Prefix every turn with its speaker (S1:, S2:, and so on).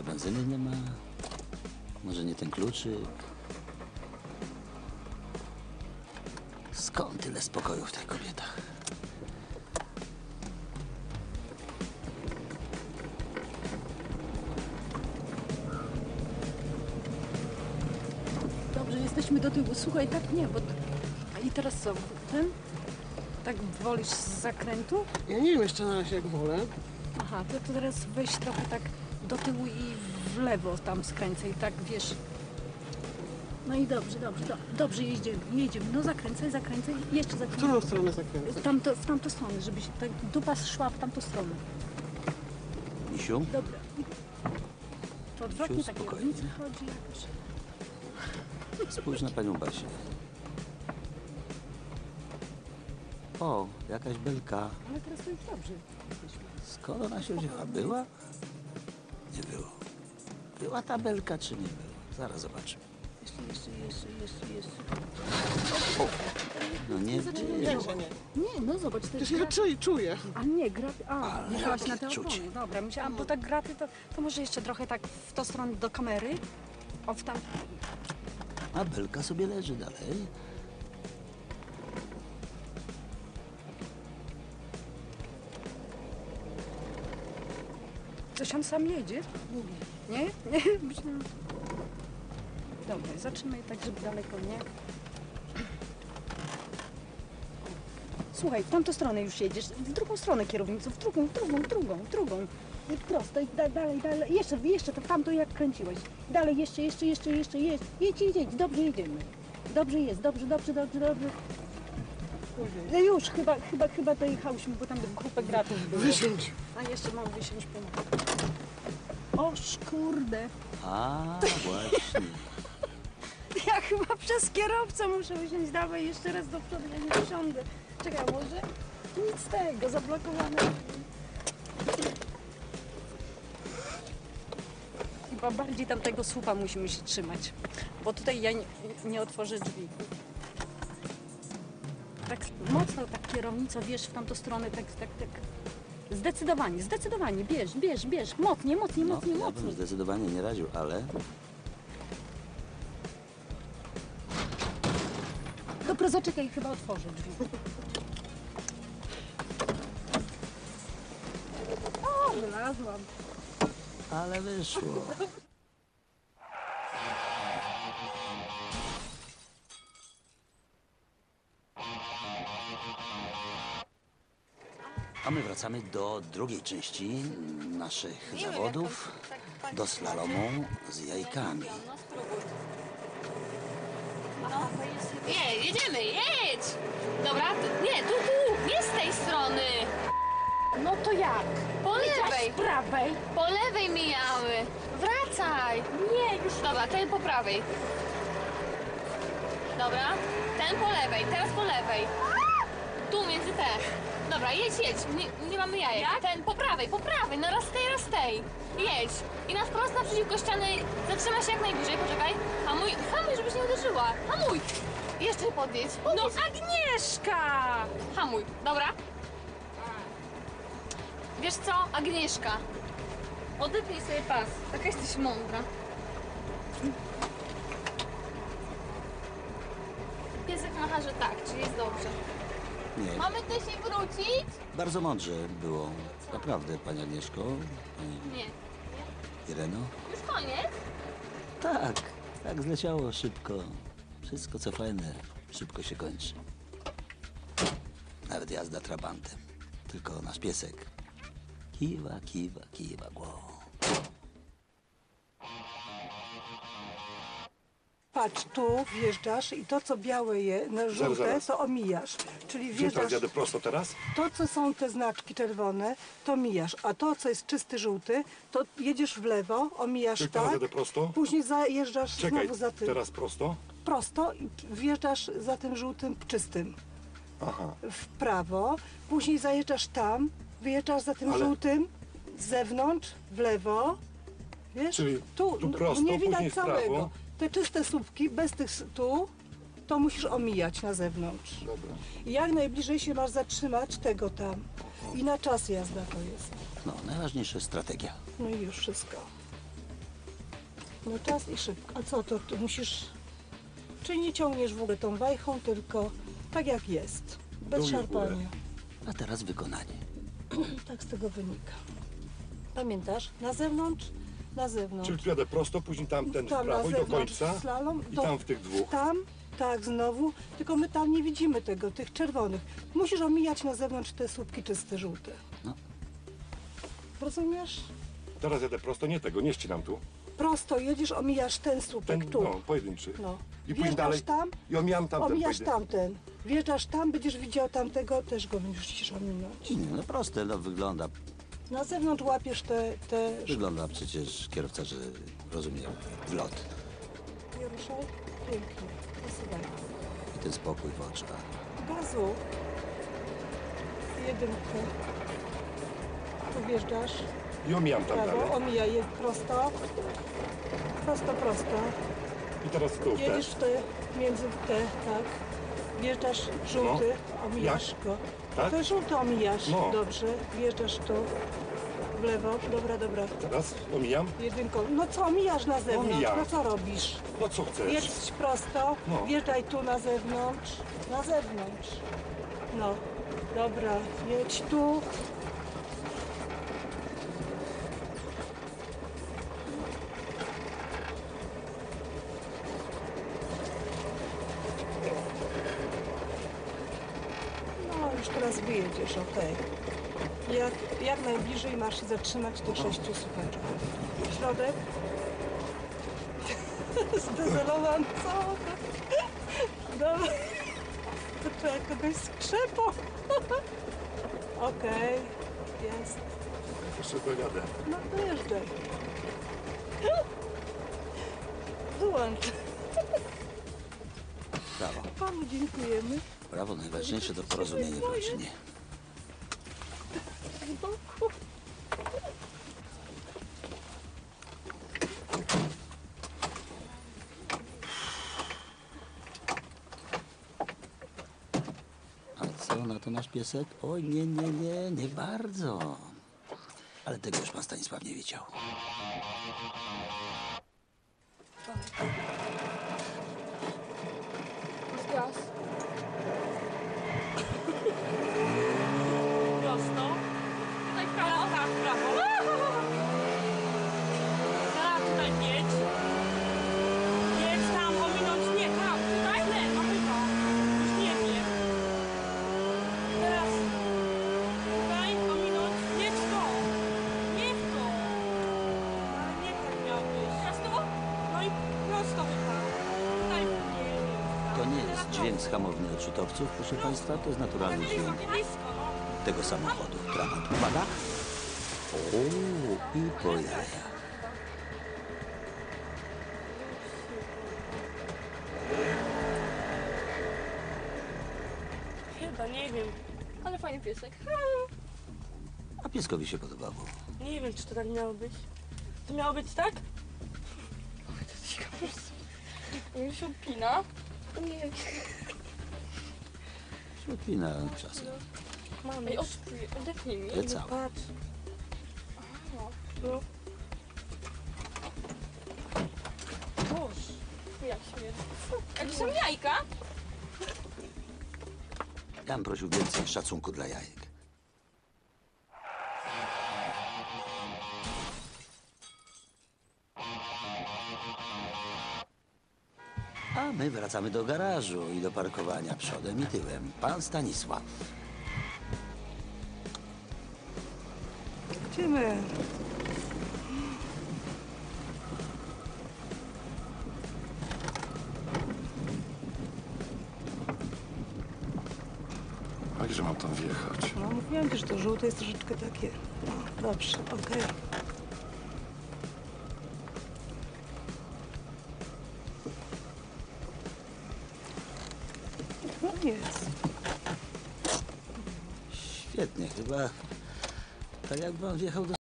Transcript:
S1: benzyny nie ma. Może nie ten kluczyk. Skąd tyle spokoju w tych kobietach?
S2: Dobrze, jesteśmy do tyłu. Słuchaj, tak nie, bo... A i teraz co? Ten? Tak wolisz z zakrętu?
S3: Ja nie wiem jeszcze na razie jak wolę.
S2: Aha, to teraz weź trochę tak do tyłu i w lewo tam skręcaj, tak wiesz. No i dobrze, jedziemy. No zakręcaj, jeszcze
S3: W
S2: zakręcaj.
S3: którą stronę zakręcać?
S2: W tamtą stronę, żebyś tak dupa szła w tamtą stronę.
S1: Misiu?
S2: Dobra. To odwrotnie
S1: Misiu,
S2: tak
S1: spokojnie.
S2: kierownica chodzi jakoś.
S1: Spójrz na panią Basię. O, jakaś belka.
S2: Ale teraz to już dobrze jesteśmy.
S1: Skąd ona się wzięła? Była? Nie było. Była ta belka, czy nie była? Zaraz zobaczymy.
S2: Jeszcze.
S1: No nie było.
S3: Jak że nie?
S2: Nie, no zobacz, to jest
S3: Przecież ja czuję.
S2: A nie, graty. A,
S1: Ale
S2: jechałaś
S1: jakie
S2: na te
S1: czucie.
S2: opony. Dobra, myślałam, bo tak graty to może jeszcze trochę tak w tą stronę do kamery. O, w tam.
S1: A belka sobie leży dalej.
S2: Coś on sam jedzie? Nie? Nie? Myślałam. Dobra, zatrzymaj tak, żeby daleko nie. Słuchaj, w tamtą stronę już jedziesz, w drugą stronę kierownicą, w drugą. Prosto i dalej. Jeszcze, to tamto jak kręciłeś. Dalej, jeszcze. Jedź, dobrze jedziemy. Dobrze jest, dobrze. No już, chyba dojechałyśmy, bo tam grupę gratów było.
S3: Wysiądź.
S2: A jeszcze mam wysiąść pomóc. Oż kurde.
S1: A, właśnie.
S2: Ja chyba przez kierowcę muszę usiąść. Dawaj jeszcze raz do przodu, ja nie wysiądę. Czekaj, może? Nic z tego, zablokowane. Chyba bardziej tamtego słupa musimy się trzymać, bo tutaj ja nie otworzę drzwi. Tak mocno tak kierownica, wiesz, w tamtą stronę, tak. Zdecydowanie, bierz, mocniej.
S1: No, ja bym zdecydowanie nie radził, ale...
S2: Dobra, zaczekaj, chyba otworzę drzwi. O, wylazłam.
S1: Ale wyszło. A my wracamy do drugiej części naszych zawodów, do slalomu z jajkami.
S4: Nie, jedziemy, jedź! Dobra, nie z tej strony!
S2: No to jak?
S4: Po lewej!
S2: Z prawej?
S4: Po lewej mijały! Wracaj!
S2: Nie, już
S4: Dobra, ten po prawej. Dobra, ten po lewej, teraz po lewej. Tu między te. Dobra, jedź. Nie mamy jajek.
S2: Jak?
S4: Ten po prawej, no raz tej. Jedź. I na wprost naprzeciwko ściany. Zatrzymaj się jak najbliżej, poczekaj. Hamuj, żebyś nie uderzyła. Hamuj! Jeszcze podjedź.
S2: No Agnieszka!
S4: Hamuj, dobra? Wiesz co, Agnieszka? Odepnij sobie pas. Taka jesteś mądra. Piesek macha, że tak, czyli jest dobrze.
S1: Nie,
S4: Mamy też się wrócić?
S1: bardzo mądrze było. Naprawdę, pani Agnieszko, pani
S4: Nie.
S1: Ireno.
S4: Już koniec?
S1: Tak zleciało szybko. Wszystko co fajne, szybko się kończy. Nawet jazda trabantem. Tylko nasz piesek kiwa głową.
S5: Patrz, tu wjeżdżasz i to, co białe żółte,
S6: Zaraz.
S5: to omijasz. Czyli
S6: Gdzie teraz
S5: wjeżdżasz,
S6: jadę prosto teraz?
S5: to, co są te znaczki czerwone, to mijasz. A to, co jest czysty żółty, to jedziesz w lewo, omijasz
S6: Czyli teraz
S5: tak,
S6: jadę prosto?
S5: później zajeżdżasz
S6: Czekaj,
S5: znowu za tym.
S6: teraz prosto?
S5: Prosto i wjeżdżasz za tym żółtym czystym.
S6: Aha.
S5: W prawo, później zajeżdżasz tam, wyjeżdżasz za tym
S6: Ale-
S5: żółtym, z zewnątrz, w lewo. Wiesz?
S6: Czyli tu
S5: no,
S6: prosto,
S5: nie widać
S6: później w prawo.
S5: całego. Te czyste słupki, bez tych tu, to musisz omijać na zewnątrz.
S6: Dobra.
S5: I jak najbliżej się masz zatrzymać tego tam. I na czas jazda to jest.
S1: No, najważniejsza strategia.
S5: No i już wszystko. No czas i szybko. A co to? Ty musisz... Czyli nie ciągniesz w ogóle tą wajchą, tylko tak jak jest. Bez
S6: Dół i w górę.
S5: szarpania.
S1: A teraz wykonanie.
S5: Tak z tego wynika. Pamiętasz? Na zewnątrz, na zewnątrz.
S6: Czyli tu jadę prosto, później tamten w
S5: Tam na
S6: prawo i do
S5: zewnątrz
S6: końca.
S5: slalom,
S6: I tam w tych dwóch.
S5: Tam, tak, znowu. Tylko my tam nie widzimy tego, tych czerwonych. Musisz omijać na zewnątrz te słupki czyste, żółte.
S1: No.
S5: Rozumiesz?
S6: Teraz jadę prosto, nie tego, nie ścinam tu.
S5: Prosto jedziesz, omijasz ten słupek
S6: Ten,
S5: tu.
S6: no, pojedynczy.
S5: No.
S6: I później
S5: Wjeżdżasz
S6: dalej.
S5: tam,
S6: I omijam tamten
S5: omijasz
S6: pojedynczo.
S5: tamten. Wjeżdżasz tam, będziesz widział tamtego, też go musisz ominąć.
S1: No proste, no wygląda.
S5: Na zewnątrz łapiesz te...
S1: Wygląda przecież kierowca, że rozumie wlot.
S5: Nie ruszaj. Pięknie. Posuwaj.
S1: I ten spokój w oczach.
S5: Gazu. Jedynkę. Tu wjeżdżasz.
S6: I omijam tam
S5: Prawo,
S6: dalej.
S5: omijaj je prosto. Prosto, prosto.
S6: I teraz tu
S5: Jedziesz
S6: też.
S5: w te, między te, tak. Wjeżdżasz żółty, omijasz go.
S6: Tak?
S5: To żółty omijasz,
S6: No.
S5: dobrze. Wjeżdżasz tu, w lewo, dobra, dobra.
S6: Teraz omijam.
S5: Jedynką. No co, omijasz na zewnątrz,
S6: Omijam.
S5: no co robisz?
S6: No co chcesz?
S5: Jedź prosto,
S6: No.
S5: wjeżdżaj tu na zewnątrz, na zewnątrz. No, dobra, jedź tu. No, już teraz wyjedziesz, okej. Jak najbliżej masz się zatrzymać tych 6 słuchaczy. Środek. Zdezelowany, co? Dobra. To trzeba kogoś skrzepą. Okej, jest.
S6: Jeszcze dojadę.
S5: No dojeżdżaj. Wyłącz.
S1: Brawo.
S5: Panu dziękujemy.
S1: Brawo, najważniejsze to porozumienie w rodzinie. A co na to nasz piesek? Oj, nie bardzo. Ale tego już pan Stanisław nie wiedział.
S4: Gaz.
S2: Prosto.
S4: Tutaj w prawo.
S2: Tak, w prawo. Tak, tutaj jedź. Jedź tam, ominąć, nie, tam, tutaj, lewo, chyba. Już nie wiem. Teraz tutaj, ominąć, jedź to. Nie w to. Ale nie tak miał być. Teraz to? No i prosto chyba. Tutaj, nie wiem.
S1: To nie jest dźwięk z hamowni odrzutowców, proszę państwa, to jest naturalny dźwięk
S2: Blisko, no.
S1: tego samochodu. Dramat. Uwaga! O, i po jajach.
S2: Chyba, nie wiem.
S4: Ale fajny piesek.
S1: A pieskowi się podobało.
S2: Nie wiem, czy to tak miało być. To miało być tak?
S4: On się odpina. Nie.
S1: Ślepina czasem.
S2: Mamy.
S4: Ej, odepnij mi.
S1: Ale całe.
S2: Patrz. Tu.
S4: Boże. Jak śmierć. A gdzie są jajka?
S1: Ja bym prosił więcej szacunku dla jajek. A my wracamy do garażu i do parkowania przodem i tyłem. Pan Stanisław.
S5: Idziemy.
S6: A gdzie mam tam wjechać?
S5: No mówiłam ci, że to żółte jest troszeczkę takie. No, dobrze, okej. No jest.
S1: Świetnie, chyba tak jakby on wjechał do